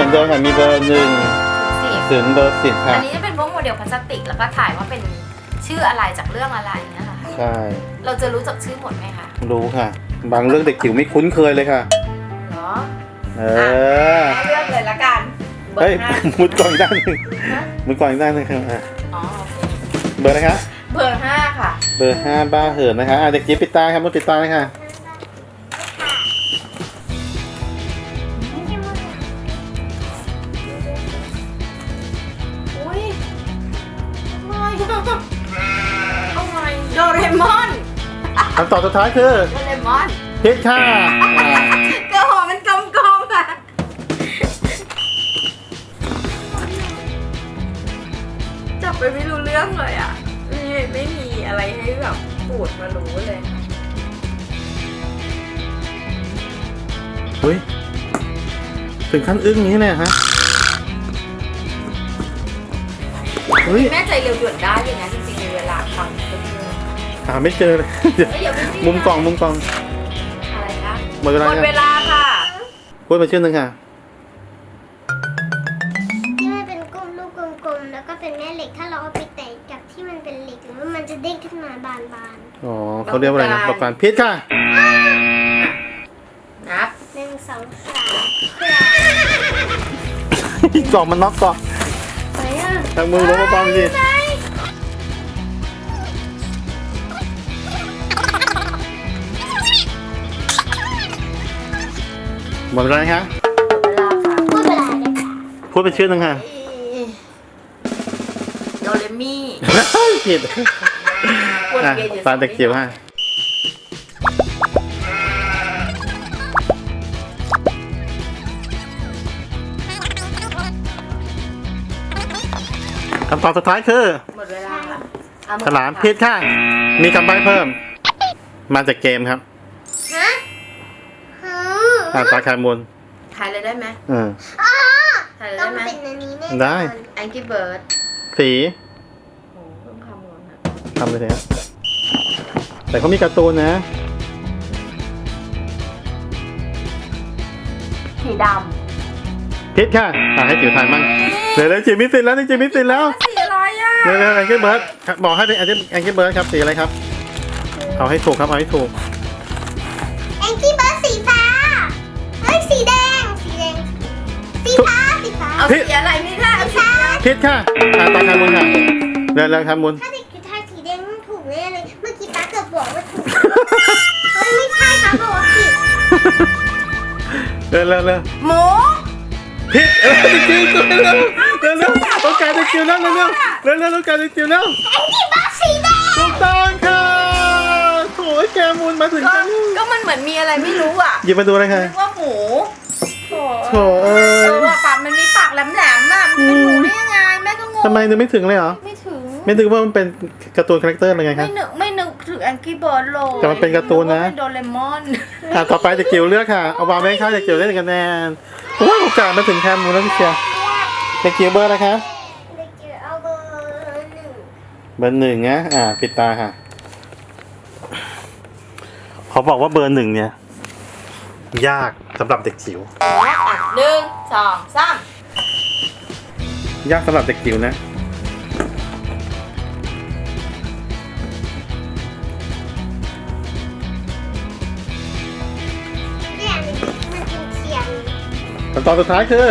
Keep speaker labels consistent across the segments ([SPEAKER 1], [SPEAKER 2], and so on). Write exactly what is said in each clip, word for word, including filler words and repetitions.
[SPEAKER 1] มือนเดิมค่ะมีเบอร์หนึ่งถึงเบอร์สิบค่ะ
[SPEAKER 2] อันนี้จะเป็นพวกโมเดลพลาสติกแล้วก็ถ่ายว่าเป็นชื่ออะไรจากเรื่องอะไรเนี่ยค่ะ
[SPEAKER 1] ใช่
[SPEAKER 2] เราจะรู้จักชื่อหมดไหมคะ
[SPEAKER 1] รู้ค่ะบางเรื่องเด็กจิ๋วไม่คุ้นเคยเลยค่ะ
[SPEAKER 2] เหรอ
[SPEAKER 1] เออ
[SPEAKER 2] เลือกเลยละกัน
[SPEAKER 1] เฮ้ยมุดก่อนอีกด้านนึงมุดก่อนอีกด้านนึงค่ะ
[SPEAKER 2] อ๋อ
[SPEAKER 1] เบอร์อะไรคะ
[SPEAKER 2] เบอร์ห้าค่ะ
[SPEAKER 1] เบอร์ห้าบ้าเหินนะคะเด็กจิ๋วปิดตาครับมุดปิดตาเลยค่ะ
[SPEAKER 2] อุ้ยไม่เอาไงโดเรมอน
[SPEAKER 1] คำตอบสุดท้ายคือ
[SPEAKER 2] โดเรมอน
[SPEAKER 1] ผิดค่ะ
[SPEAKER 2] กระหอมันกลมๆค่ะจับไปไม่รู้เรื่องเลยอ่ะไม่ไม่มีอะไรให้แบบปูดมารู้เลย
[SPEAKER 1] อุ้ยถึงขั้นอึ้งนี้เลยฮะ
[SPEAKER 2] แม่ใจเร็วด่วนได้เลยนะจริงๆในเวลาทำก็คือ
[SPEAKER 1] หาไม่เจอเลยมุมกล่องมุมกล่อง
[SPEAKER 2] อะไรคะ
[SPEAKER 1] หมดเวลาหมด
[SPEAKER 2] เวลาค่ะ
[SPEAKER 1] พูดมาชื่อหนึ่งค่ะ
[SPEAKER 3] ที่มันเป็นกลมลูกกลมๆแล้วก็เป็นแม่เหล็กถ้าเราเอาไปแตะกับที่มันเป็นเหล็กหรือว่ามันจะเด้งขึ้นมาบาน
[SPEAKER 1] ๆอ๋อเขาเรียกว่าอะไรนะประกันพิษค่ะ
[SPEAKER 2] นับ
[SPEAKER 3] หนึ่งสองสาม
[SPEAKER 1] กล่องมันน็อกก่อน
[SPEAKER 3] ไปอ่ะ
[SPEAKER 1] ทางมือลงมาปองสิหมดเวลาไหมคะ
[SPEAKER 3] พูดเวลาเลยค่ะ
[SPEAKER 1] พูดเป็นชื่อหนึ่งค่ะ
[SPEAKER 2] โดเรมี่
[SPEAKER 1] ผิดตาเด็กจิ๋วค่ะคำตอบสุดท้ายคือ
[SPEAKER 2] หมดเวลา
[SPEAKER 1] ฉลามผิดค่ะมีคำใบ้เพิ่มมาจากเกมครับ
[SPEAKER 3] ฮะ
[SPEAKER 1] อ่าตาคามูล
[SPEAKER 2] ถ่ายเลยได้ไหม
[SPEAKER 1] อืม
[SPEAKER 3] ถ่ายเลยได้ไหมเป็นอันนี้แน่
[SPEAKER 1] ได้
[SPEAKER 2] Angry Bird
[SPEAKER 1] สี
[SPEAKER 2] โอ้ต้องคำก่อนนะ
[SPEAKER 1] ทำเลยเถอะแต่เขามีการ์ตูนนะ
[SPEAKER 2] สีด
[SPEAKER 1] ำพิษค่ะอ่าให้จิ๋วถ่ายมั่งเดี๋ยวจิ๋วมิสซินแล้วจิ๋วมิสซินแล้ว
[SPEAKER 2] สีอะไรอ่ะ
[SPEAKER 1] เร็วๆแองเกิลเบิร์ดบอกให้เป็นแองเกิลเบิร์ดครับสีอะไรครับเอาให้ถูกครับเอาให้ถูก
[SPEAKER 3] แองกี้เบิร์ดสีฟ้าเฮ้ยสีแดงสีแดงสีฟ้าสีฟ้า
[SPEAKER 2] เอาสีอะไรนี่ค่ะ
[SPEAKER 3] สีฟ้า
[SPEAKER 1] พิษค่ะอ่าตาคามุนค่ะเร็วๆคามุน
[SPEAKER 3] ถ้าเด็กทายสีแดงมันถูกแน่เลยเมื่อกี้ป้าเกือบบอกว่าถูกเฮ้ยไม่ใช่ป้าบอกว่าผิด
[SPEAKER 1] เร็วเร็วเร็ว
[SPEAKER 2] หมู
[SPEAKER 1] พิษเออจริงจริงเร็วเร็วเร็วเร็วต้องการจะจิ๋วแล้วเร็วเร็วเร็วเร็วต้องการจะจิ๋วแล้ว
[SPEAKER 3] แองกี้เบิร์ดสีแดง
[SPEAKER 1] ถูกต้องค่ะโถ่แกมูลมาถึงกัน
[SPEAKER 2] ก็มันเหมือนมีอะไรไม่รู้อ่ะ
[SPEAKER 1] หยิบมาดูเลยค่ะ
[SPEAKER 2] นึกว่าหมู
[SPEAKER 1] โถ่เออ
[SPEAKER 2] ว่าปากมันมีปากแหลมๆอ่ะมันเป็นหมูได้ยังไงแม่ก็งง
[SPEAKER 1] ทำไมนึกไม่ถึงเลยเหรอ
[SPEAKER 2] ไม่ถึง
[SPEAKER 1] ไม่ถึงว่ามันเป็นการ์ตูนคาแรคเตอร์อะไรไงครับ
[SPEAKER 2] ไม่นึกไม่นึกถึงแองกี้เบิร์ดเลย
[SPEAKER 1] แต่มันเป็นการ์ตูนนะ
[SPEAKER 2] โดเรมอน
[SPEAKER 1] อ่ะต่อไปจะเกี่ยวเลือกค่ะเอาวางไว้ข้างจะเกี่ยวได้กันแน่ว้าวโอกาสมาถึงแคมมูลแล้วพี่เชียร์จะเกี่ยวเบอร์อะไรครับ
[SPEAKER 3] เด็กจิ๋วเอาเบอร์หนึ่ง
[SPEAKER 1] เบอร์หนึ่งนะอ่าปิดตาค่ะเขาบอกว่าเบอร์หนึ่งเนี่ยยากสำหรับเด็กจิ๋ว
[SPEAKER 2] หนึ่งสองสาม
[SPEAKER 1] ยากสำหรับเด็กจิ๋วนะ
[SPEAKER 3] เนี่ยมันเป็นเทียน
[SPEAKER 1] คำตอบสุดท้ายคือ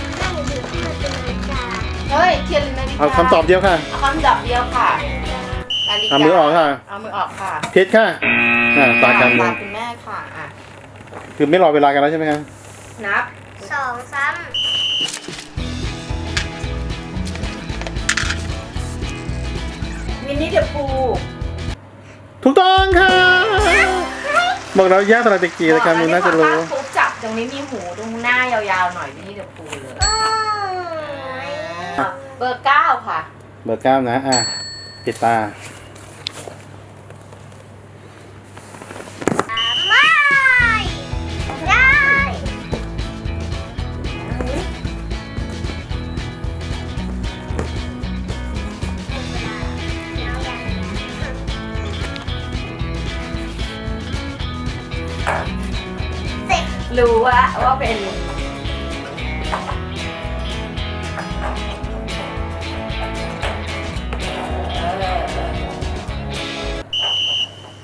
[SPEAKER 2] เฮ้ยเทียนนาฬิกา
[SPEAKER 1] เอาคำตอบเดียวค่ะ
[SPEAKER 2] เอาคำตอบเดียวค่ะ
[SPEAKER 1] เอามือออกค่ะ
[SPEAKER 2] เอามือออกค่ะ
[SPEAKER 1] พิษค่ะอ่าตาการมือ
[SPEAKER 2] คุณแม่ค่ะอ่ะ
[SPEAKER 1] คือไม่รอเวลากันแล้วใช่ไหมครับ
[SPEAKER 3] นับสองซ้
[SPEAKER 2] ำมินิเดอะพู
[SPEAKER 1] ถูกต้องค่ะบอกเราแยกสำหรับเด็กจีรายการมูลน่าจะรู้
[SPEAKER 2] ปุ๊บจับตรงนี้มีหูตรงหน้ายาวๆหน่อยมินิเดอะพูเลยเบอร์เก้าค่ะ
[SPEAKER 1] เบอร์เก้านะอ่ะปิดตา
[SPEAKER 2] รู้ว่าว่าเป็น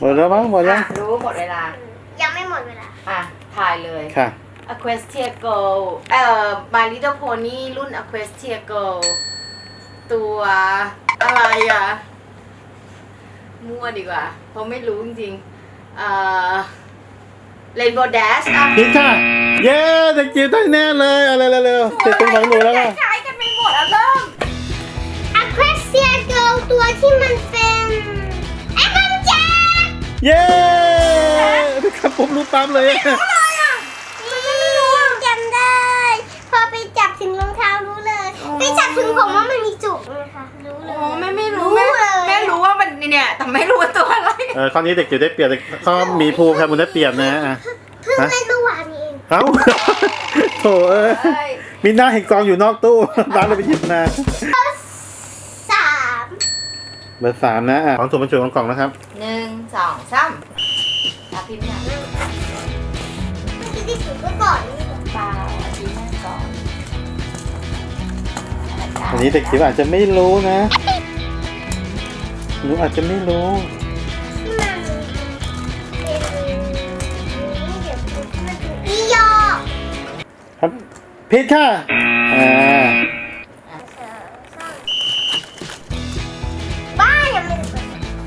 [SPEAKER 1] หมดแล้วมั้งหมดแล้ว
[SPEAKER 2] อ่ะรู้หมดเวลา
[SPEAKER 3] ยังไม่หมดเวลา
[SPEAKER 2] อ่ะถ่ายเลย
[SPEAKER 1] ค่ะ
[SPEAKER 2] Equestria Girl เอ่อ My Little Pony รุ่น Equestria Girl ตัวอะไรอ่ะ มั่วดีกว่า เพราะไม่รู้จริงๆเอ่อ Rainbow Dash อ่ะ
[SPEAKER 1] ผิดค่ะ เย้เด็กจิ๋วได้แน่เลยเอาเร็วๆเร็วๆเสร็จเป็นของหนูแล้วค่ะ
[SPEAKER 2] คล้ายกันไปหมดอ่ะเริ่ม
[SPEAKER 3] Aquasia Girl ตัวที่มันเป็นไอ้มันแจ๊ก
[SPEAKER 1] เย้ครับผมรู้ปั๊บเลยอะ
[SPEAKER 3] มันไม่รู้อะจำได้ พอไปจับถึงรองเท้ารู้เลย ไปจับถึงผมว่ามันมีจุกนะคะรู้เลย
[SPEAKER 2] โอ้แม่ไม่รู้
[SPEAKER 3] รู้
[SPEAKER 2] แม่
[SPEAKER 3] เลย
[SPEAKER 2] แม่รู้ว่ามันเนี่ยแต่ไม่รู้ว่าตัวอะไร
[SPEAKER 1] เออข้อนี้เด็กจิ๋วได้เปรียบข้อมีภูมิครับมันได้เปรียบนะอ่ะ
[SPEAKER 3] เพิ่งเล่นเมื่อวานนี้เอง
[SPEAKER 1] เอ้า โถเอ้ย
[SPEAKER 2] เอ้ย
[SPEAKER 1] มีหน้าเห็นกองอยู่นอกตู้ร้านเลยไปหยิบมา
[SPEAKER 3] สาม
[SPEAKER 1] เบอร์สามนะอ่ะของถูกบรรจุของกล่องนะครับ
[SPEAKER 2] หนึ่งสองสามตาพิมพ์อย่าง
[SPEAKER 3] เมื่อกี้ที่สุดก็ก่อนนี่
[SPEAKER 2] เปล่าอาทิตย์แม่ก่อน
[SPEAKER 1] อันนี้เด็กจิ๋วอาจจะไม่รู้นะหนูอาจจะไม่รู้
[SPEAKER 3] ที่มันเป็นนี่เดี๋ยวมันเป็นอียอ
[SPEAKER 1] ครับผิดค่ะอ่า
[SPEAKER 3] บ้ายังไม่ได้เปิด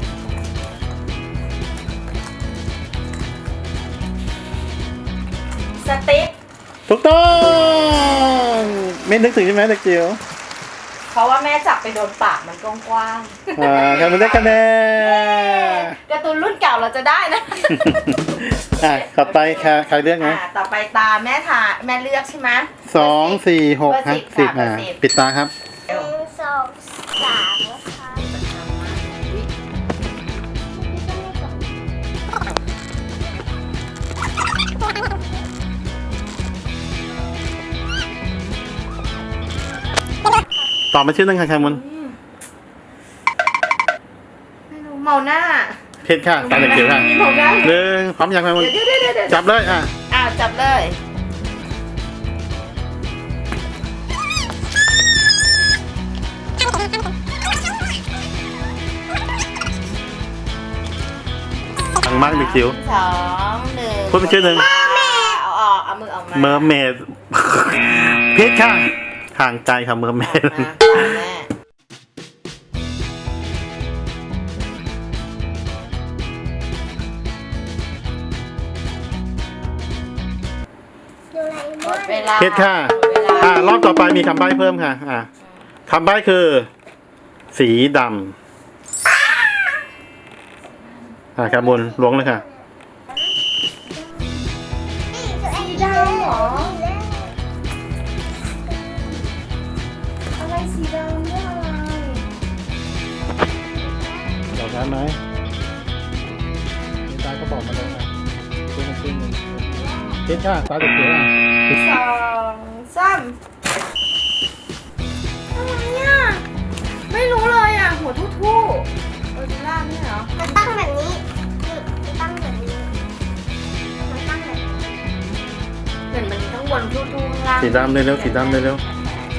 [SPEAKER 2] สติ๊ก
[SPEAKER 1] ถูกต้องไม่นึกถึงใช่ไหมเด็กจิ๋ว
[SPEAKER 2] เพราะว่าแม่จับไปโดนปากมันกว้าง
[SPEAKER 1] อ่าครับมันได้คะแนน
[SPEAKER 2] ๆการ์ตูนรุ่นเก่าเราจะได้นะ
[SPEAKER 1] อ่ะต่อไปค่ะใครเลือกนะ
[SPEAKER 2] อ่าต่อไปตาแม่ทาแม่เลือกใช่ไหม
[SPEAKER 1] สองสี่หก
[SPEAKER 2] เบอร์
[SPEAKER 1] ฮะ
[SPEAKER 2] สิบ
[SPEAKER 1] สิบ
[SPEAKER 2] ค่ะ
[SPEAKER 1] อ่ะ
[SPEAKER 2] เบอร์สิบ
[SPEAKER 1] ปิดตาครับ
[SPEAKER 3] หนึ่งสองสามนะคะ
[SPEAKER 1] ตอบมาชื่อหนึงค่ะแคมุน
[SPEAKER 2] ไม่รู้เมาหน้า
[SPEAKER 1] เพชรค่ะตาเด็กจิ๋วค่ะ
[SPEAKER 2] มีเมาหน้า
[SPEAKER 1] หนึ่งพร้อมยังแคมุน
[SPEAKER 2] เดี๋ยวเดี๋ยวเดี๋ยวเดี๋ยว
[SPEAKER 1] จับเลยอ่ะ
[SPEAKER 2] อ้าวจับเลย
[SPEAKER 1] ฟังมากเด็กจิ๋ว
[SPEAKER 2] สองหนึ่ง
[SPEAKER 1] พูดเป็นชื่อหนึ่ง
[SPEAKER 2] เอาออกเอามือออกมา
[SPEAKER 1] เมอร์เมด เพชรค่ะห่างไกลค่ะเมอร์เมด
[SPEAKER 2] อ่ะตามแม่
[SPEAKER 3] ดูอะไร
[SPEAKER 2] หม
[SPEAKER 3] บ้า
[SPEAKER 2] ด
[SPEAKER 3] ง
[SPEAKER 2] เวลา
[SPEAKER 1] เพชรค่ะ
[SPEAKER 2] หมดเวลา
[SPEAKER 1] อ่ารอบต่อไปมีคำใบ้เพิ่มค่ะ อ่าคำใบ้คือ สีดำอ่าครับมุนล้วงเลยค่ะ
[SPEAKER 3] สีดำเหรอ
[SPEAKER 2] อะไรสีดำเรื่องอะไร
[SPEAKER 1] บอกได้ไหมมีตาก็บอกมาเลยค่ะขึ้นมาขึ้นมาเพชรค่ะตาเด็กจิ๋วอ่ะ
[SPEAKER 2] สองสามอะไรอ่ะ ไม่รู้เลยอ่ะ หัวทู่ทู่ๆโอจิล่านี่เหรอ
[SPEAKER 3] มันตั้งแบบนี้นี่มันตั้งแบบนี้มันตั้งแบบนี้
[SPEAKER 2] เหมือนมันข้างบนทู่ทู่ๆข้างล่าง
[SPEAKER 1] สีดำเลยเร็วสีดำเลยเร็ว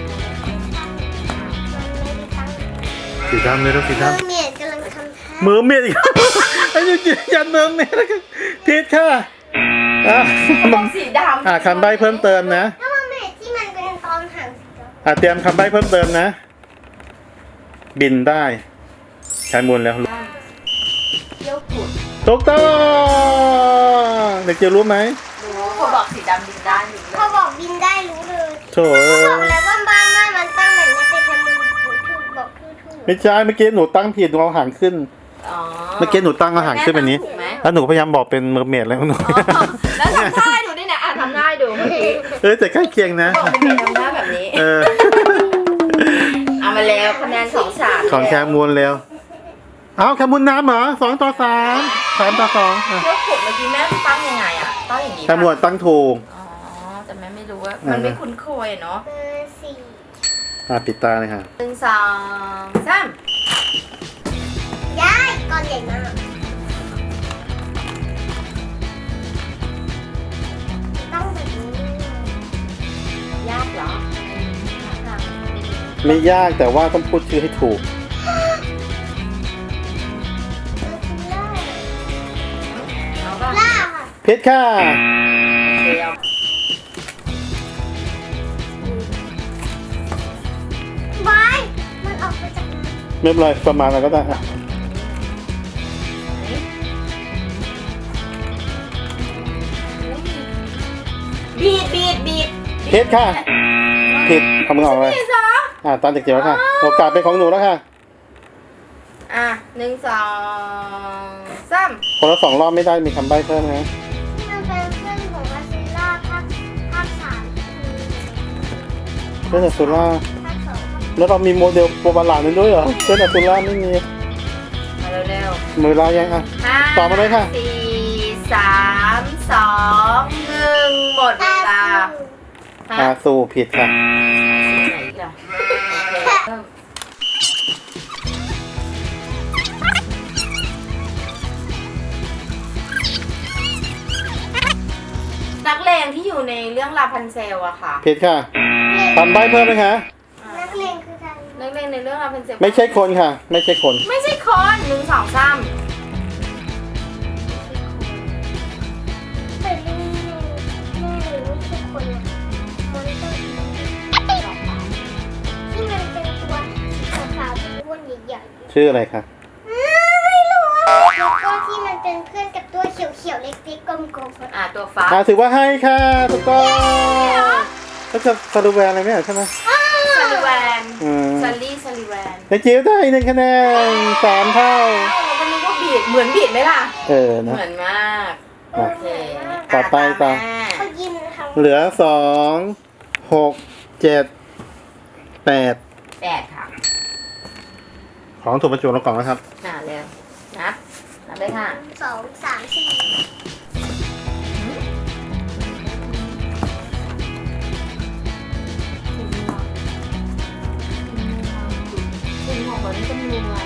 [SPEAKER 3] มันไม่ได้ตั้ง
[SPEAKER 1] สีดำเลยเร็วสี
[SPEAKER 3] เมอ
[SPEAKER 1] ดำ
[SPEAKER 3] ร์เมียดกำลังทำท่า
[SPEAKER 1] เมอร์เมดอีก ไอ้ยูจิยันเมอร์เมดแล้วกันเพชรค่ะอ่ะ
[SPEAKER 2] บอกสีดำ
[SPEAKER 1] อ่าคำใบ้เพิ่มเติมนะ
[SPEAKER 3] ถ้าว่าเมอร์เมดที่มันเป็นตอนหางสีดำ
[SPEAKER 1] อ่าเตรียมคำใบ้เพิ่มเติมนะ บินได้ใช้มูลแล้ว
[SPEAKER 2] เที่ยวขุด
[SPEAKER 1] ถูกต้องเด็กจิ๋วรู้ไหม
[SPEAKER 2] รู้เขาบอกสีดำบินได้อยู่เล
[SPEAKER 3] พอย บอกบินได้รู้เลย
[SPEAKER 1] โถเอ้
[SPEAKER 3] บอก
[SPEAKER 1] ย
[SPEAKER 3] แล้วว่าบ้านบ้านมันตั้งแบบนี้แต่แค่มันถูกบอกทู่ๆ
[SPEAKER 1] ไม่ใช่เมื่อกี้หนูตั้งผิดหนูเอาหางขึ้น
[SPEAKER 2] อ๋อ
[SPEAKER 1] เมื่อกี้หนูตั้งเอาหางขึ้นแบบนี้
[SPEAKER 2] แม่ทำถูกไหม
[SPEAKER 1] แล้วหนูพยายามบอกเป็นเมอร์เมดแล้วหนู
[SPEAKER 2] อ๋อแล้วทำท่าให้ดูด้วยนะอ่ะทำท่าให้ดูเมื่อกี้
[SPEAKER 1] เอ้ยแต่ใกล้เคียงนะ
[SPEAKER 2] บอกเป็นเมย์ทำท่าแบบนี้
[SPEAKER 1] เออ
[SPEAKER 2] เอามาแล้วคะแนนสองสาม
[SPEAKER 1] ของแคมูลเร็วเอาแคมูลน้ำเหรอสองต่อสามสามต่อสองอ่ะ
[SPEAKER 2] เที่ยวขุดเมื่อกี้แม่ตั้งยังไงอ่ะ ตั้งอย่างนี้
[SPEAKER 1] แคมูลตั้งถูก
[SPEAKER 2] อ๋อ แต่แม่ไม่รู้ว่า มันไม่คุ้นเคยเนาะ
[SPEAKER 3] เบอร์สี่
[SPEAKER 1] อ่ะปิดตาเลยค่ะ
[SPEAKER 2] หนึ่งสองสาม
[SPEAKER 3] ย้ายก้อนใหญ่มากต้องแบบนี้
[SPEAKER 2] ยากเหรอ
[SPEAKER 1] ไม่ยากแต่ว่าต้องพูดชื่อให้ถูก
[SPEAKER 3] เบอร์สี่เลย
[SPEAKER 1] ผิดค่ะ
[SPEAKER 2] เดี๋ยว
[SPEAKER 3] บายมันออกมาจากนั้น
[SPEAKER 1] ไม่เป็นไรประมาณอะไรก็ได้อ่ะ
[SPEAKER 2] บีดบีดบีด
[SPEAKER 1] ผิดค่ะผิดทำมือออกเลย
[SPEAKER 2] หนึ่งสอง
[SPEAKER 1] อ่าตามเด็กจิ๋วแล้วค่ะโอกาสเป็นของหนูแล้วค่ะ
[SPEAKER 2] อ่ะหนึ่งสองสาม
[SPEAKER 1] คนละสองรอบไม่ได้มีคำใบ้เพิ่มนะ
[SPEAKER 3] ที่มันเป็นเพื่อนของวาซิล่าภาคภาคสาม
[SPEAKER 1] เพื่อนอสุล่า
[SPEAKER 3] ภาคสอง
[SPEAKER 1] แล้วเรามีโมเดลโปรบาลานนั้นด้วยเหรอเพื่อนอสุล่าไม่มี
[SPEAKER 2] มาเร็ว
[SPEAKER 1] มือลายังอ่ะ
[SPEAKER 2] ๆห้า
[SPEAKER 1] ต่อมาเลยค่ะ
[SPEAKER 2] สี่สามสองหนึ่งหมดเวลา
[SPEAKER 1] อา
[SPEAKER 2] ฮะ
[SPEAKER 1] สูผิดค่ะ
[SPEAKER 2] ไหนอีกอ่ะเริ่มนักเลงที่อยู่ในเรื่องลาพันเซลอะค่ะ
[SPEAKER 1] ผิดค่ะคำใบ้เพิ่มไหมคะ
[SPEAKER 3] นักเรียนคือใคร
[SPEAKER 2] นักเลงในเรื่องลาพันเซล
[SPEAKER 1] ไม่ใช่คนค่ะ ไม่ใช่คน
[SPEAKER 2] ไม่ใช่คนหนึ่งสองสาม
[SPEAKER 3] แต่นี่แน่เลยไม่ใช่คนนะมอนสเตอร์ที่มันเป็นตัวขาวๆอ้วนๆใหญ่ๆ
[SPEAKER 1] ชื่ออะไรคะ
[SPEAKER 3] ไม่รู้แล้วก็ที่มันเป็นเพื่อนกับตัวเขียวๆเล็กๆกลมๆ
[SPEAKER 2] อ่ะตัวฟ้า
[SPEAKER 1] อ่าถือว่าให้ค่ะถูกต้องก็จะสรุปแวร์อะไรไม่เหรอใช่ไหม
[SPEAKER 2] ซาลิแวน
[SPEAKER 1] อืม
[SPEAKER 2] ซาลี่ซาลิแวน
[SPEAKER 1] ในจิ๋วได้หนึ่งคะแนนสามเท่า
[SPEAKER 2] เอ้าเราก็นึกว่าบีดเหมือนบีดไหมล่ะ
[SPEAKER 1] เออ
[SPEAKER 2] เห
[SPEAKER 1] นะ
[SPEAKER 2] มือนมาก โอเค
[SPEAKER 1] ต่อไปต่อ
[SPEAKER 2] แม่
[SPEAKER 3] เขายิ้มนะคะ
[SPEAKER 1] เหลือสองหกเจ็ดแปด
[SPEAKER 2] แปดค่ะ
[SPEAKER 1] ของถูกบรรจุลงกล่องแล้วครับ
[SPEAKER 2] อ่าเร็วนับนับเลยค่ะ
[SPEAKER 3] สองสามสี่
[SPEAKER 2] คุณหมอบอกนี่จะมีอะไร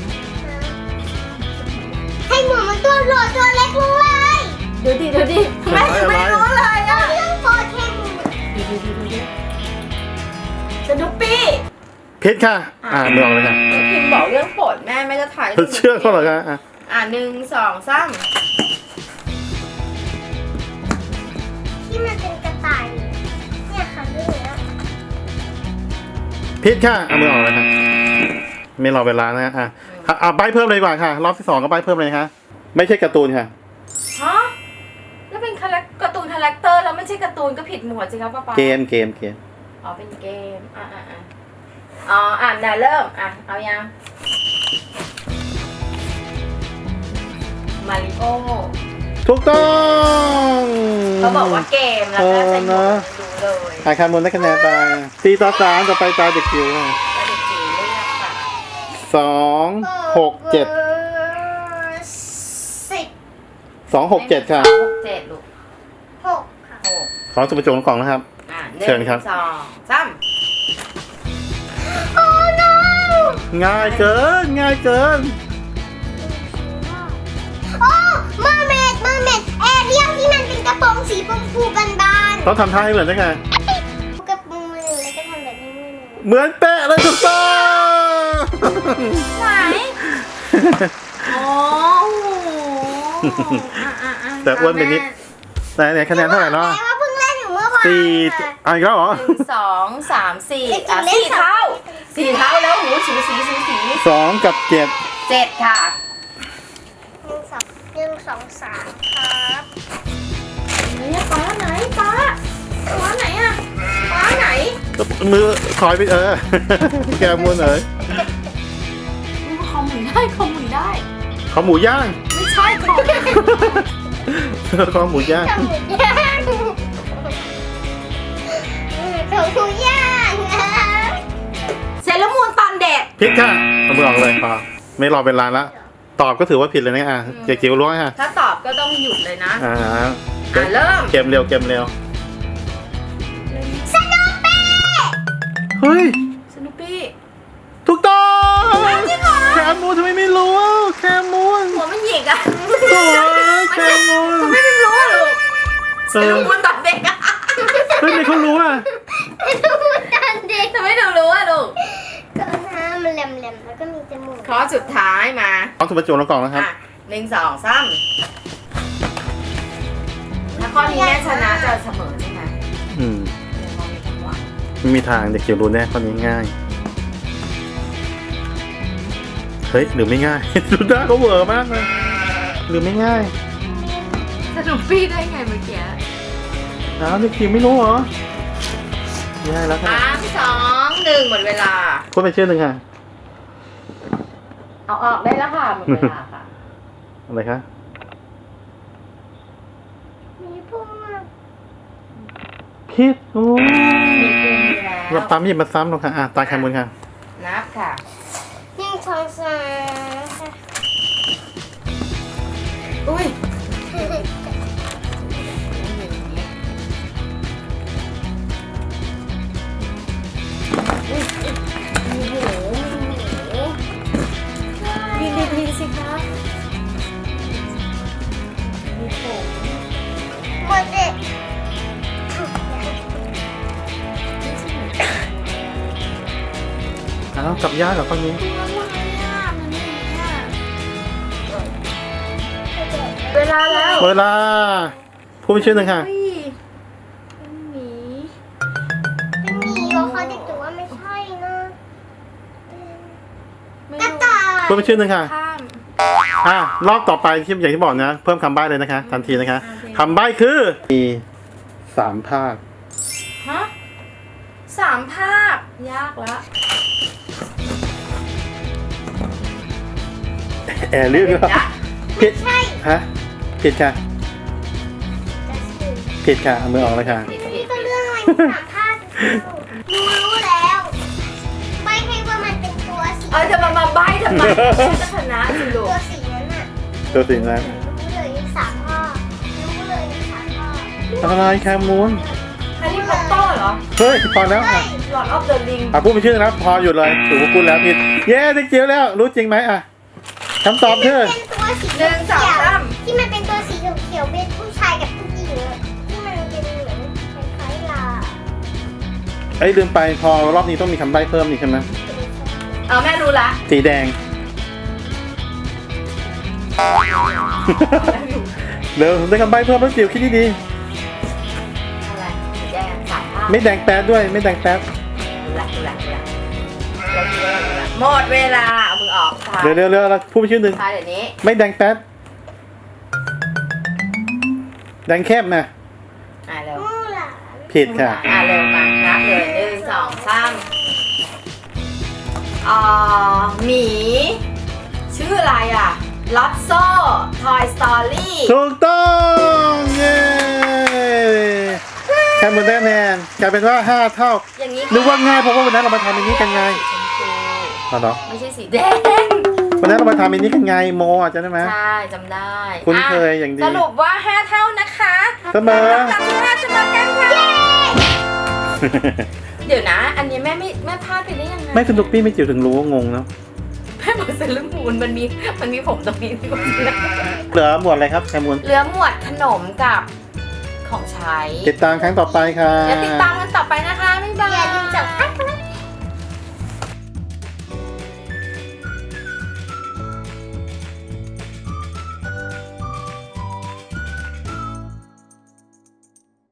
[SPEAKER 3] ให้หมูมันตัวโหลดตัวเล็กลงเลย
[SPEAKER 2] เดี๋ยวดิเดี๋ยวดิแม่ยังไม่รู้เลยอ่ะ
[SPEAKER 3] เรื่องโปรแค่หมู
[SPEAKER 2] ดูดูดูดูดูสนุปปี้
[SPEAKER 1] ผิดค่ะ อ่าเมืองเลยค่ะ
[SPEAKER 2] พิมพ์บอกเรื่องโปรดแม่แม่จะถ่าย
[SPEAKER 1] เชื่อเขาเหรอคะอ่ะ
[SPEAKER 2] อ่าหนึ่งสองสาม
[SPEAKER 3] ที่มันเป็นกระต่ายเนี่ยค่ะเรื่องเนี้ย
[SPEAKER 1] ผิดค่ะเอามือออกเลยค่ะไม่รอเวลานะอ่ะอ่ะอ่ะใบเพิ่มเลยดีกว่าค่ะ รอบที่สองก็ใบเพิ่มเลยค่ะ ไม่ใช่การ์ตูนค่ะ
[SPEAKER 2] ฮะแล้วเป็นคาแรคการ์ตูนคาแรคเตอร์แล้วไม่ใช่การ์ตูนก็ผิดหมวดสิครับป้าป๊า
[SPEAKER 1] เกมเกมเกม
[SPEAKER 2] อ๋อเป็นเกมอ่ะอ่ะอ่ะอ๋ออ่านได้เริ่มอ่ะเอายังมาริโอ
[SPEAKER 1] ถูกต้อง
[SPEAKER 2] เขาบอกว่าเกมแล้วก็ใส่หมวกดูเลย
[SPEAKER 1] อาคารมูลได้คะแนนไปตีต่อสามต่อไปตาเด็กจิ๋วค่ะ
[SPEAKER 2] แล้วเด็กจิ๋วเลือกค่ะ
[SPEAKER 1] สองหกเจ็ด
[SPEAKER 3] สิบ
[SPEAKER 1] สองหกเจ็ดค่ะ
[SPEAKER 2] สองหกเจ็ดลูก
[SPEAKER 3] หกค่ะ
[SPEAKER 2] หก
[SPEAKER 1] ของสุภจงกล่องนะครับ
[SPEAKER 2] อ่ะห
[SPEAKER 1] เชิ
[SPEAKER 2] นึ่
[SPEAKER 1] ญครับ
[SPEAKER 2] งสองสาม
[SPEAKER 3] โอ้ no
[SPEAKER 1] ง่ายเกิน ง่ายเกิน
[SPEAKER 3] โอ้มาเมดมาเมดแอร์เรียลที่มันเป็นกระโปรงสีชมพูบาน
[SPEAKER 1] ต้องทำท่าให้เหมือนได้ไง
[SPEAKER 3] ๆกับมือหนึ่งแล้วก็ทำแบบนี้มือหนึ่ง
[SPEAKER 1] เหมือนเป๊ะเลยถูกต้อง
[SPEAKER 2] ไหนอ๋อโอ้โหอ่ะอ่ะอ่ะ
[SPEAKER 1] แต่อ้วนไปนิด ไหนไหนคะแนนเท่าไหร่แล้ว
[SPEAKER 3] แม่ว่าเพิ่งเล่นอยู่เมื่อวาน
[SPEAKER 1] สี่
[SPEAKER 3] ค่ะ
[SPEAKER 1] อ่ะอีกแล้วเหรอ
[SPEAKER 2] หนึ่งสองสามสี่
[SPEAKER 3] เด็กจิ๋
[SPEAKER 2] อ่ะ
[SPEAKER 3] วเล่น
[SPEAKER 2] สี่
[SPEAKER 3] สอง
[SPEAKER 2] เท่าสี่เท่าแล้วหูสูสีสูสี
[SPEAKER 1] สองกับเจ็ด
[SPEAKER 2] เจ็ดค่ะ
[SPEAKER 3] หนึ่งสองหนึ่งสองสามครับ
[SPEAKER 2] เนี่ยป้าไหนป้าป้าไหนอ่ะป้าไหน
[SPEAKER 1] มือถอยไปเออ แกมูนเอ๋ย
[SPEAKER 2] คอมหมุนได้คอมหมุนได้
[SPEAKER 1] ขอหมูย่าง
[SPEAKER 2] ไม่ใช่คอม
[SPEAKER 1] ขอหมูย่าง
[SPEAKER 3] ทำหมูย่างทำหมูย่างนะ
[SPEAKER 2] เซเลอร์มูนตอนเด็ก
[SPEAKER 1] ผิดค่ะเอามือออกเลยพอไม่รอเวลาละตอบก็ถือว่าผิดเลยนะอ่ะเจ๊จิ๋วล้วงค่ะ
[SPEAKER 2] ถ้าตอบก็ต้องหยุดเลยนะ
[SPEAKER 1] อ่า
[SPEAKER 2] อ่ะเริ่ม
[SPEAKER 1] เกมเร็วเกมเร็ว
[SPEAKER 3] สนุกปี้
[SPEAKER 1] เฮ้ย
[SPEAKER 2] สนุปปี้
[SPEAKER 1] ถูกต้องแคมูนทำไมไม่รู้อ่ะแคมูน
[SPEAKER 2] หัวมันหยิกอ่ะ
[SPEAKER 1] โอ้ยแคมูน
[SPEAKER 2] ไม่ได้รู้อะลูกเซ
[SPEAKER 1] เอ
[SPEAKER 2] เลอ
[SPEAKER 1] อ
[SPEAKER 2] ร์มูนตอนเด็กอ่ะ
[SPEAKER 1] เฮ้ยไม่เขารู้อ่ะ
[SPEAKER 3] ดูตอนเด็ก
[SPEAKER 2] ทำไมหนูรู้อ่ะลูก
[SPEAKER 3] ก็หน้ามันแหลมๆแล้วก็มีจมูก
[SPEAKER 2] ข้อสุดท้ายมา
[SPEAKER 1] ของสุภาพจงแล้วกล่องนะครับ
[SPEAKER 2] อ่ะหนึ่งสองสามข้อนี้แม่ชนะจะเสมอใช่ไหม
[SPEAKER 1] อืม
[SPEAKER 2] เดี๋ยวมองมีจังหวะ
[SPEAKER 1] ไม่มีทางเด็กจิ๋วรู้แน่ข้อนี้ง่ายเฮ้ยหรือไม่ง่าย ดูหน้าเขาเหวอมากเลยหรือไม่ง่าย
[SPEAKER 2] สนุกปี้ได้ไงเมื่อกี้
[SPEAKER 1] อ้าวเด็กจิ๋วไม่รู้เหรอง่ายแล้วค่ะ
[SPEAKER 2] สามสองหนึ่งหมดเวลา
[SPEAKER 1] พูดไปชื่อหนึ่งค่ะ
[SPEAKER 2] เอาออกได้แล้วค่ะหมดเวลาค่ะ
[SPEAKER 1] อะไรคะ
[SPEAKER 3] มีพุ่งอะ
[SPEAKER 1] คิดโอ้
[SPEAKER 2] มีกุ้งมีแล้
[SPEAKER 1] เรา
[SPEAKER 2] ว
[SPEAKER 1] ปั๊มหยิบมาซ้ำหรอกค่ะอ่ะตาแคมูลค่ะ
[SPEAKER 2] นับค่ะ
[SPEAKER 3] หนึ่งสองสามค่ะ
[SPEAKER 2] อุ้ย มีหูมีหูดีๆสิคะมีผม
[SPEAKER 3] หมดเลย
[SPEAKER 1] อ้าวกลับยากกับข้อนี้
[SPEAKER 2] เวลาแล้ว
[SPEAKER 1] เวลาพูดไปชื่อหนึ่งค่ะ
[SPEAKER 2] อุ้ยเป็นหมี
[SPEAKER 3] เป็นหมีเหรอเขาเด็กแต่ว่าไม่ใช่นะ
[SPEAKER 2] ไม่
[SPEAKER 3] กระ
[SPEAKER 2] รู้
[SPEAKER 3] ต่าย
[SPEAKER 1] พูดไปชื่อหนึ่งค่ะ
[SPEAKER 2] ข้าม
[SPEAKER 1] อ่ะรอบต่อไปที่อย่างที่บอกนะ เพิ่มคำใบ้เลยนะคะทันทีนะคะ
[SPEAKER 2] โอเค
[SPEAKER 1] คำใบ้คือมีสามภาค
[SPEAKER 2] ฮะสามภาค ยากละ
[SPEAKER 1] แอร์ลื่นหรือเปล่าผิด
[SPEAKER 3] ใช่
[SPEAKER 1] ฮะผิดค่ะ
[SPEAKER 3] จะสื่อ
[SPEAKER 1] ผิดค่ะเอามือออกเลยค่ะ
[SPEAKER 3] นี่ก็เรื่องอะไรที่สามภาครู้รู้แล้วไม่ให้ว่ามันเป็นตัวสี
[SPEAKER 2] เออจะมามาใบ้ทำไมจะชนะสิลู
[SPEAKER 3] ตัว
[SPEAKER 2] ก
[SPEAKER 3] สีนั้นน่ะ
[SPEAKER 1] ตัวสิ่งนั้น
[SPEAKER 3] รู้เลยสามภาครู้เลยสามภาค
[SPEAKER 1] อะไรแคมูล
[SPEAKER 2] แฮร์รี่พอตเตอร์เหรอ
[SPEAKER 1] เฮ้ยพอแล้ว
[SPEAKER 3] เฮ้
[SPEAKER 1] ค่ะ
[SPEAKER 3] ย
[SPEAKER 2] หลอดออฟเดอะริง
[SPEAKER 1] อ่ะพูดไปชื่อนะครับพอหยุดเลยถูกพูดแล้วผิดเย้เด็กจิ๋วแล้วรู้จริงไหมอ่ะคำตอบคือ
[SPEAKER 3] เป็นตัวสี
[SPEAKER 2] หนึ่งสองสาม
[SPEAKER 3] ที่มันเป็นตัวสีเขียวๆเป็นผู้ชายกับผู้หญิงอะที่มันเป็นเหมือนคล้ายๆลา
[SPEAKER 1] ไอ้ยลืมไปพอรอบนี้ต้องมีคำใบ้เพิ่มนี่ใช่ไหม
[SPEAKER 2] เอาแม่รู้ละ
[SPEAKER 1] สีแดง เดี๋ยวได้คำใบ้เพิ่มแล้วจิ๋วคิดดี
[SPEAKER 2] อะไรสีแดงสามภาค
[SPEAKER 1] ๆไม่แดงแป๊ดด้วยไม่แดงแป๊ด
[SPEAKER 2] รู้ละรู้ละรู้ละเรารู้ละรู้ละหมดเวลาเอามือออกค่ะ
[SPEAKER 1] เร็วเร็วเร็วแล้วพูดไปชื่อหนึ่ง
[SPEAKER 2] ค่ะเดี๋ยวนี้
[SPEAKER 1] ไม่แดงแป๊ดแดงเข้มนะ
[SPEAKER 2] อ่าเร็ว
[SPEAKER 3] มู่หลาน
[SPEAKER 1] ผิดค่ะ
[SPEAKER 2] อ่าเร็วมานับเลยหนึ่งสองสามอ่าหมี ชื่ออะไรอ่ะลอตโซ่ Toy Story
[SPEAKER 1] ถูกต้องเย้แคมูลได้คะแนนกลายเป็นว่าห้าเท่า
[SPEAKER 2] อย่างนี้
[SPEAKER 1] นึกว่าง่ายเพราะว่าวันนั้นเรามาทำอันนี้กันไง
[SPEAKER 2] สีชมพู
[SPEAKER 1] เอาเหรอ
[SPEAKER 2] ไม่ใช่สีแดง
[SPEAKER 1] วันนั้นเรามาทำอันนี้กันไงโมอ่ะจำได้ไหม
[SPEAKER 2] ใช่จำได้
[SPEAKER 1] คุ้นเคย
[SPEAKER 2] ะ
[SPEAKER 1] อย่างดี
[SPEAKER 2] สรุปว่าห้าเท่านะคะ
[SPEAKER 1] เสมอ
[SPEAKER 2] ลำดับที่ห้าเสมอกันค่ะเดี๋ยวนะ อันนี้แม่ไม่แม่พลาดไปได้ยังไง
[SPEAKER 1] ไม่สนุกพี่ไม่จิ๋วถึงรู้ว่างงเนาะ
[SPEAKER 2] แม่บอกเซเลอร์มูนมันมีมันมีผมตรงนี้ที่บอก
[SPEAKER 1] เหลือหมวดอะไรครับแคมูล
[SPEAKER 2] เหลือหมวดขนมกับของใช้
[SPEAKER 1] ติดตามครั้งต่อไปค่ะ
[SPEAKER 2] แล้วติดตามกัน